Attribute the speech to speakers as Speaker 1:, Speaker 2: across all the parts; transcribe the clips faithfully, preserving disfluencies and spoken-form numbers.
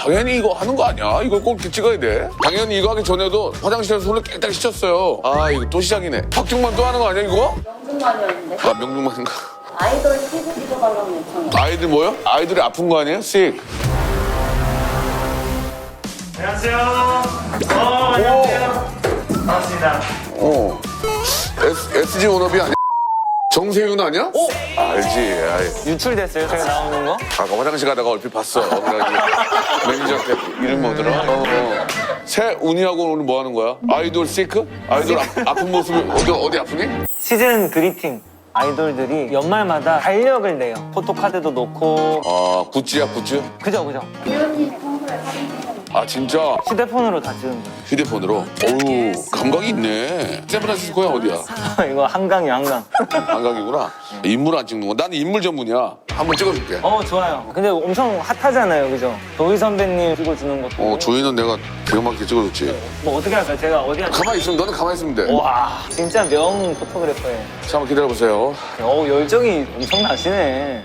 Speaker 1: 당연히 이거 하는 거 아니야? 이걸 꼭 이렇게 찍어야 돼? 당연히 이거 하기 전에도 화장실에서 손을 깨끗하게 씻었어요. 아, 이거 또 시작이네. 박중만 또 하는 거 아니야, 이거?
Speaker 2: 명중만이었는데.
Speaker 1: 아, 명중만인가?
Speaker 2: 아이돌 피부 찍어달라는 요청이.
Speaker 1: 아이들 뭐요? 아이들이 아픈 거 아니에요? 씩.
Speaker 3: 안녕하세요. 어, 안녕하세요. 반갑습니다.
Speaker 1: 어. S, 에스지 온업이 아니야? 정세윤 아니야? 오! 알지. 아이.
Speaker 4: 유출됐어요, 제가 나오는 거?
Speaker 1: 아까 화장실 가다가 얼핏 봤어. 그래가지고 매니저한테 이름 뭐더라? 어, 어. 새운이하고 오늘 뭐 하는 거야? 아이돌 시크? 아이돌 아, 아픈 모습이 어디, 어디 아프니?
Speaker 4: 시즌 그리팅. 아이돌들이 연말마다 달력을 내요. 포토카드도 놓고.
Speaker 1: 아, 굿즈야, 굿즈?
Speaker 4: 그죠, 그죠.
Speaker 2: 기현이 평소에 사진 찍어놓은
Speaker 1: 아, 진짜?
Speaker 4: 휴대폰으로 다 찍은 거예요.
Speaker 1: 휴대폰으로? 어우, 감각이 있네. 샌프란시스코야, 어디야?
Speaker 4: 이거 한강이야, 한강.
Speaker 1: 한강이구나. 인물 안 찍는 거. 나는 인물 전문이야. 한번 찍어줄게.
Speaker 4: 어, 좋아요. 근데 엄청 핫하잖아요, 그죠? 도희 선배님 찍어주는 것도.
Speaker 1: 어, 조이는 내가 기가 막히게 찍어줬지.
Speaker 4: 뭐 어떻게 할까요? 제가 어디 할까요?
Speaker 1: 가만히 있으면 너는 가만히 있으면 돼.
Speaker 4: 와, 진짜 명 포토그래퍼예요.
Speaker 1: 자, 한번 기다려보세요.
Speaker 4: 어, 열정이 엄청 나시네.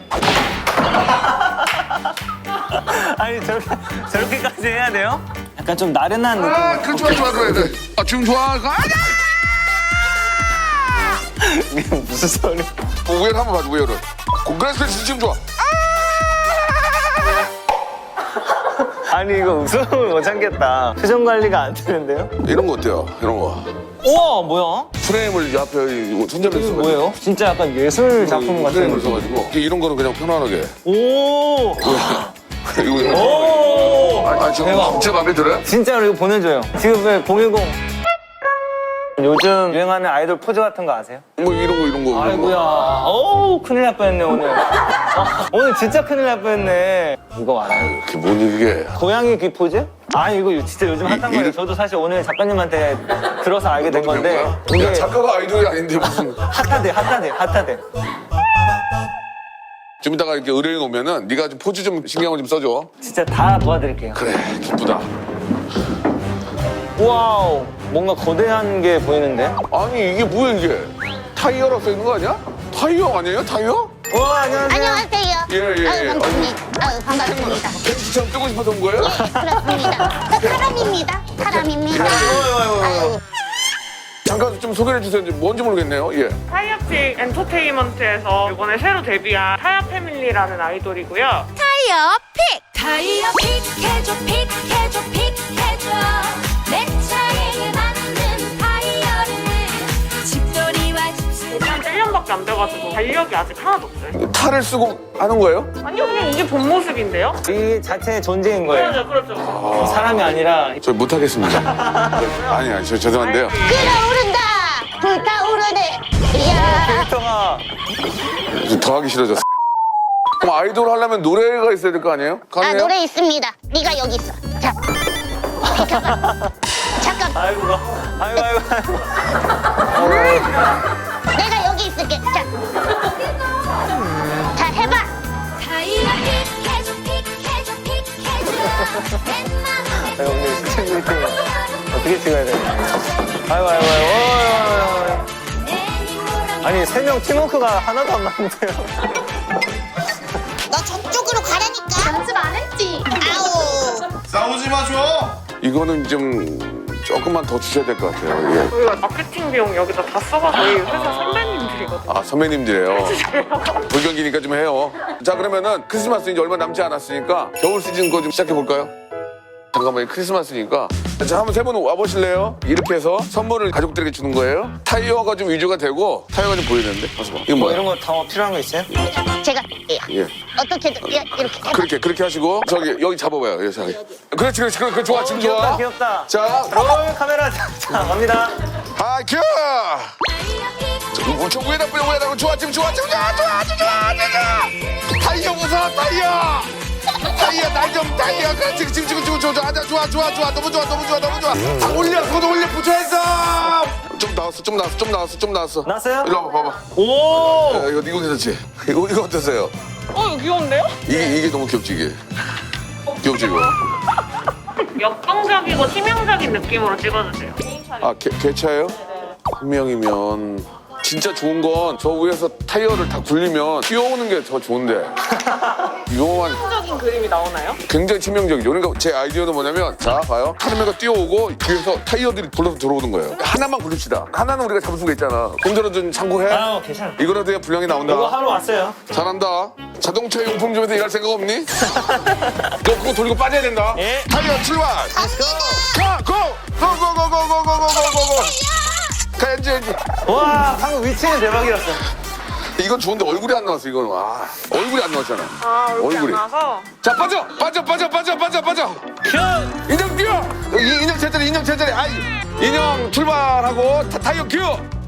Speaker 4: 아니, 저렇게, 저렇게까지 해야 돼요? 약간 좀 나른한 느낌.
Speaker 1: 아, 그 좋아, 좋아, 그래, 그래. 아, 지금 좋아. 가자!
Speaker 4: 이게 무슨 소리?
Speaker 1: 어, 우열 한번 봐줘, 우열은. 그래서 지금 좋아.
Speaker 4: 아니, 이거 웃음을 못 참겠다. 표정 관리가 안 되는데요?
Speaker 1: 이런 거 어때요? 이런 거.
Speaker 4: 우와, 뭐야?
Speaker 1: 프레임을 옆에 이거 손잡이
Speaker 4: 이거
Speaker 1: 써가지고.
Speaker 4: 뭐예요? 진짜 약간 예술 작품
Speaker 1: 프레임을
Speaker 4: 같은.
Speaker 1: 써가지고. 이런 거는 그냥 편안하게.
Speaker 4: 오!
Speaker 1: 이거.
Speaker 4: 오!
Speaker 1: 아, 지금
Speaker 4: 대박.
Speaker 1: 진짜 마음에 들어요?
Speaker 4: 진짜로 이거 보내줘요. 지금 왜 공일공 요즘 유행하는 아이돌 포즈 같은 거 아세요?
Speaker 1: 뭐 이런 거, 이런 거. 이런 거.
Speaker 4: 아이고야. 어우, 큰일 날 뻔했네, 오늘. 아, 오늘 진짜 큰일 날 뻔했네. 이거 알아요?
Speaker 1: 그게 뭔 이게.
Speaker 4: 고양이 귀 포즈? 아, 이거 진짜 요즘 핫한
Speaker 1: 이-
Speaker 4: 거예요.
Speaker 1: 이-
Speaker 4: 저도 사실 오늘 작가님한테 들어서 알게 된 건데.
Speaker 1: 야,
Speaker 4: 이게
Speaker 1: 작가가 아이돌이 아닌데 무슨.
Speaker 4: 핫하대, 핫하대, 핫하대.
Speaker 1: 좀 이따가 이렇게 의뢰인 오면은 네가 좀 포즈 좀 신경을 좀 써줘.
Speaker 4: 진짜 다 도와드릴게요.
Speaker 1: 그래, 기쁘다.
Speaker 4: 와우, 뭔가 거대한 게 보이는데?
Speaker 1: 아니, 이게 뭐야, 이게? 타이어라고 써 있는 거 아니야? 타이어 아니에요? 타이어?
Speaker 4: 와, 안녕하세요.
Speaker 5: 안녕하세요.
Speaker 1: 예, 예, 예.
Speaker 5: 아유, 반갑습니다. 아유, 반갑습니다.
Speaker 1: 캔치처럼 뜨고 싶어서 온 거예요?
Speaker 5: 그렇습니다. 저 사람입니다. 사람입니다. 아유,
Speaker 1: 잠깐 좀 소개해 주세요. 뭔지 모르겠네요. 예.
Speaker 6: 타이어픽 엔터테인먼트에서 이번에 새로 데뷔한 타이어 패밀리라는 아이돌이고요.
Speaker 5: 타이어 픽!
Speaker 7: 타이어 픽해줘 픽해줘 픽해줘 내 차에 맞는 타이어를 집돌이와 집수
Speaker 6: 일단 일 년밖에 안 돼가지고 달력이 아직 하나도 없어요.
Speaker 1: 탈을 쓰고 하는 거예요?
Speaker 6: 아니요, 그냥 이게 본 모습인데요?
Speaker 4: 이 자체의 존재인 거예요.
Speaker 6: 그렇죠, 그렇죠.
Speaker 4: 사람이 아니라.
Speaker 1: 저 못하겠습니다. 아니, 아니, 저 죄송한데요.
Speaker 5: 끓어오른다! 불타오르네! 이야!
Speaker 4: 캐릭터가
Speaker 1: 좀 더 하기 싫어졌어. 그럼 아이돌 하려면 노래가 있어야 될 거 아니에요?
Speaker 5: 아,
Speaker 1: 가능해요?
Speaker 5: 노래 있습니다. 네가 여기 있어. 자, 비켜봐. 잠깐,
Speaker 4: 아이고, 아이고, 아이고, 아이고.
Speaker 5: 내가 여기 있을게. 자, 자, 해봐.
Speaker 7: 타이어 픽해줘 픽해줘 픽해줘 내 맘에
Speaker 4: 아이고, 오늘 시청 미팅 어떻게 찍어야 돼? 아이고, 아이고, 아이고, 아이고, 아이고. 아니, 세 명 팀워크가 하나도 안 맞는데요?
Speaker 5: 너 저쪽으로 가라니까. 연습 안 했지? 아우.
Speaker 8: 싸우지 마, 줘!
Speaker 1: 이거는 좀 조금만 더 주셔야 될 것 같아요. 예.
Speaker 6: 저희가 마케팅 비용 여기다 다 써가 저희 회사 선배님들이거든요.
Speaker 1: 아, 선배님들이에요. 불경기니까 좀 해요. 자, 그러면은 크리스마스 이제 얼마 남지 않았으니까 겨울 시즌 거 좀 시작해 볼까요? 잠깐만요. 크리스마스니까. 자, 한번 세 분 와보실래요? 이렇게 해서 선물을 가족들에게 주는 거예요. 타이어가 좀 위주가 되고 타이어가 좀 보이는데? 가서 봐. 이거
Speaker 4: 뭐
Speaker 1: 뭐야?
Speaker 4: 이런 거 다 필요한 거 있어요?
Speaker 5: 제가
Speaker 1: 예.
Speaker 5: 어떻게든 이- 이렇게 해봐.
Speaker 1: 그렇게 그렇게 하시고 저기 여기 잡아봐요. 예, 저기. 그렇지, 그렇지, 그렇지, 그렇지. 좋아, 지금
Speaker 4: 귀엽다,
Speaker 1: 좋아.
Speaker 4: 귀엽다.
Speaker 1: 자,
Speaker 4: 롤 카메라. 자, 갑니다.
Speaker 1: 하이큐! 저, 저 위에다 뿌려, 위에다 뿌려. 좋아, 지금 좋아, 지금 좋아, 좋아, 좋아, 좋아, 좋아. 타이어 웃어, 타이어. 타이어, 날 좀, 타이어. 그렇지, 지금, 지금, 지금, 좋아, 좋아, 좋아, 좋아, 좋아, 너무 좋아, 너무 좋아, 너무 좋아. 아, 올려, 손 올려, 붙여있어. 좀 나왔어, 좀 나왔어, 좀 나왔어, 좀 나왔어.
Speaker 4: 나왔어요?
Speaker 1: 일로 와봐, 봐봐.
Speaker 4: 오!
Speaker 1: 야, 이거, 이거 괜찮지? 이거, 이거 어떠세요?
Speaker 6: 어, 이거 귀여운데요?
Speaker 1: 이게, 이게 너무 귀엽지, 이게. 귀엽지, 이거?
Speaker 6: 역동적이고 치명적인 느낌으로 찍어주세요.
Speaker 1: 아, 개, 개차예요? 한 명이면 진짜 좋은 건 저 위에서 타이어를 다 굴리면 뛰어오는 게 더 좋은데. 위험한
Speaker 6: 치명적인 그림이 나오나요?
Speaker 1: 굉장히 치명적이죠. 그러니까 제 아이디어는 뭐냐면 자 봐요. 카르메가 뛰어오고 뒤에서 타이어들이 불러서 들어오는 거예요. 하나만 굴립시다. 하나는 우리가 잡을 수가 있잖아. 공전은 좀 참고해.
Speaker 3: 아, 괜찮아.
Speaker 1: 이거라도 해야 분량이 나온다.
Speaker 3: 이거 하러 왔어요.
Speaker 1: 잘한다. 자동차 용품점에서 일할 생각 없니? 너 그거 돌리고 빠져야 된다.
Speaker 3: 예.
Speaker 1: 타이어 출발. 가! 고! 고고고고고고고고고. 가야지 야지.
Speaker 4: 와, 방금 위치는 대박이었어.
Speaker 1: 이건 좋은데 얼굴이 안 나왔어 이건. 와 얼굴이 안 나왔잖아.
Speaker 6: 아, 얼굴이
Speaker 1: 얼굴이.
Speaker 6: 안 나와서.
Speaker 1: 자 빠져 빠져 빠져 빠져 빠져 빠져. 인형 뛰어. 이, 인형 제자리 인형 제자리. 아이 인형 출발하고 타, 타이어 큐.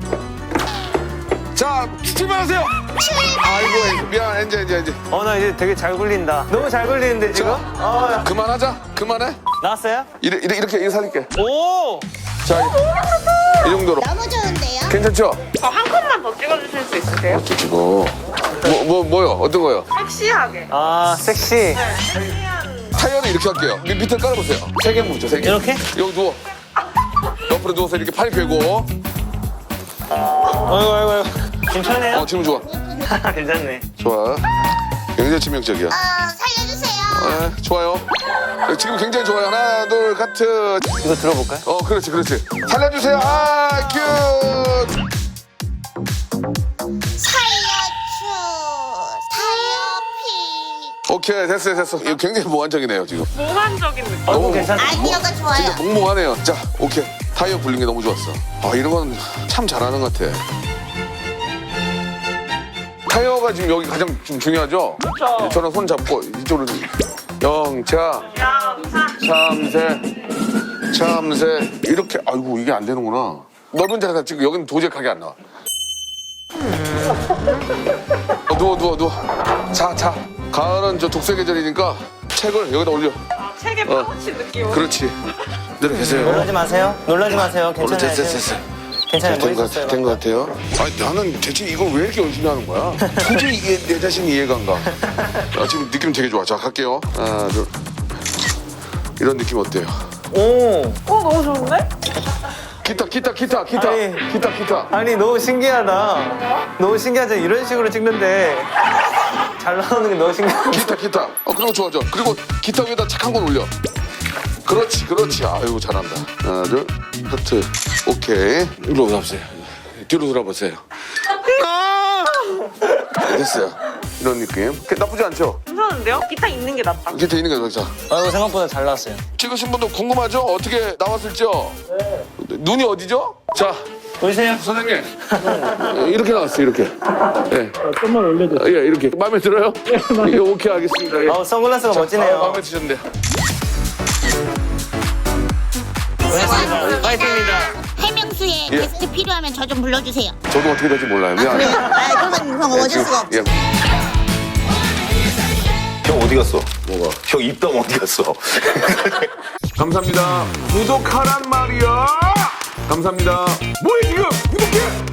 Speaker 1: 자 출발하세요. 아이고 미안 엔제 엔제 엔제.
Speaker 4: 어, 나 이제 되게 잘 굴린다. 너무 잘 굴리는데, 지금? 어, 야.
Speaker 1: 그만하자. 그만해.
Speaker 4: 나왔어요?
Speaker 1: 이래, 이래, 이렇게 이렇게 살릴게.
Speaker 4: 오!
Speaker 1: 자 이 정도로.
Speaker 5: 너무 좋은데요?
Speaker 1: 괜찮죠?
Speaker 6: 저 한 컷만 더 찍어주실 수 있으세요?
Speaker 1: 이거 뭐, 뭐, 뭐요? 어떤 거요?
Speaker 6: 섹시하게.
Speaker 4: 아, 섹시.
Speaker 6: 네, 섹시한.
Speaker 1: 타이어는 이렇게 할게요. 밑, 밑에 깔아보세요. 세 개 묻죠, 세 개.
Speaker 4: 이렇게?
Speaker 1: 여기 누워. 옆으로 누워서 이렇게 팔 펴고.
Speaker 4: 아이고, 아이고, 아이고. 괜찮네요?
Speaker 1: 어, 지금 좋아.
Speaker 4: 괜찮네.
Speaker 1: 좋아. 굉장히 치명적이야.
Speaker 5: 어, 살려주세요.
Speaker 1: 네, 좋아요. 지금 굉장히 좋아요. 하나, 둘, 카트.
Speaker 4: 이거 들어볼까요?
Speaker 1: 어, 그렇지, 그렇지. 살려주세요. 아, 큐.
Speaker 5: 살려줘. 타이어피.
Speaker 1: 오케이, 됐어요, 됐어. 이거 굉장히 몽환적이네요, 지금.
Speaker 6: 몽환적인 느낌.
Speaker 4: 어,
Speaker 1: 너무
Speaker 4: 괜찮네.
Speaker 5: 아이디어가 좋아요.
Speaker 1: 진짜 몽몽하네요. 자, 오케이. 타이어 굴린 게 너무 좋았어. 아, 이런 건 참 잘하는 것 같아. 타이어가 지금 여기 가장 좀 중요하죠?
Speaker 6: 그렇죠.
Speaker 1: 저랑 손 잡고 이쪽으로 영차,
Speaker 6: 양사.
Speaker 1: 참새, 참새 이렇게 아이고 이게 안 되는구나. 넓은 자리에다 찍고 여기는 도저히 각이 안 나와. 어, 누워 누워 누워. 자 자. 가을은 저 독서 계절이니까 책을 여기다 올려.
Speaker 6: 아, 책의
Speaker 1: 어.
Speaker 6: 파우치 느낌.
Speaker 1: 그렇지. 내려 계세요.
Speaker 4: 놀라지 마세요. 놀라지 마세요.
Speaker 1: 오늘
Speaker 4: 괜찮아요.
Speaker 1: 됐어 됐어.
Speaker 4: 괜찮아요.
Speaker 1: 된 것
Speaker 4: 멋있었어요.
Speaker 1: 된 것 같아요. 아니 나는 대체 이걸 왜 이렇게 열심히 하는 거야? 도저히 이게 내 자신이 이해가 안 가. 아, 지금 느낌 되게 좋아. 자 갈게요. 하나 둘. 이런 느낌 어때요?
Speaker 4: 오!
Speaker 6: 어, 너무 좋은데?
Speaker 1: 기타 기타 기타 기타
Speaker 4: 아니.
Speaker 1: 기타 기타.
Speaker 4: 아니, 너무 신기하다. 너무 신기하죠? 이런 식으로 찍는데 잘 나오는 게 너무 신기하다.
Speaker 1: 기타 기타. 어 그리고 좋아 좋아. 그리고 기타 위에다 착한 건 올려. 그렇지 그렇지. 아이고 잘한다. 하나 둘 하트. 오케이. 이리로 오세요. 뒤로 돌아보세요. 아! 됐어요. 이런 느낌. 나쁘지 않죠?
Speaker 6: 괜찮은데요? 기타 있는 게 낫다.
Speaker 1: 기타 있는 거 자.
Speaker 4: 아이고, 생각보다 잘 나왔어요.
Speaker 1: 찍으신 분도 궁금하죠? 어떻게 나왔을지요? 네. 눈이 어디죠? 자,
Speaker 4: 보이세요?
Speaker 1: 선생님. 이렇게 나왔어요, 이렇게. 예. 좀만 올려주세요. 예, 이렇게. 마음에 들어요? 예, 오케이, 알겠습니다. 예.
Speaker 4: 아우, 선글라스가
Speaker 1: 아,
Speaker 4: 멋지네요.
Speaker 1: 마음에 드셨는데.
Speaker 4: 파이팅입니다.
Speaker 5: 해명수에
Speaker 1: 예.
Speaker 5: 게스트 필요하면 저 좀 불러주세요.
Speaker 1: 저도 어떻게 될지 몰라요. 미안해요.
Speaker 5: 아, 그건 그건 어쩔 수가 없어.
Speaker 1: 예.
Speaker 8: 형 어디 갔어?
Speaker 1: 뭐가?
Speaker 8: 형 입담 어디 갔어?
Speaker 1: 감사합니다. 구독하란 말이야. 감사합니다. 뭐해, 지금? 구독해!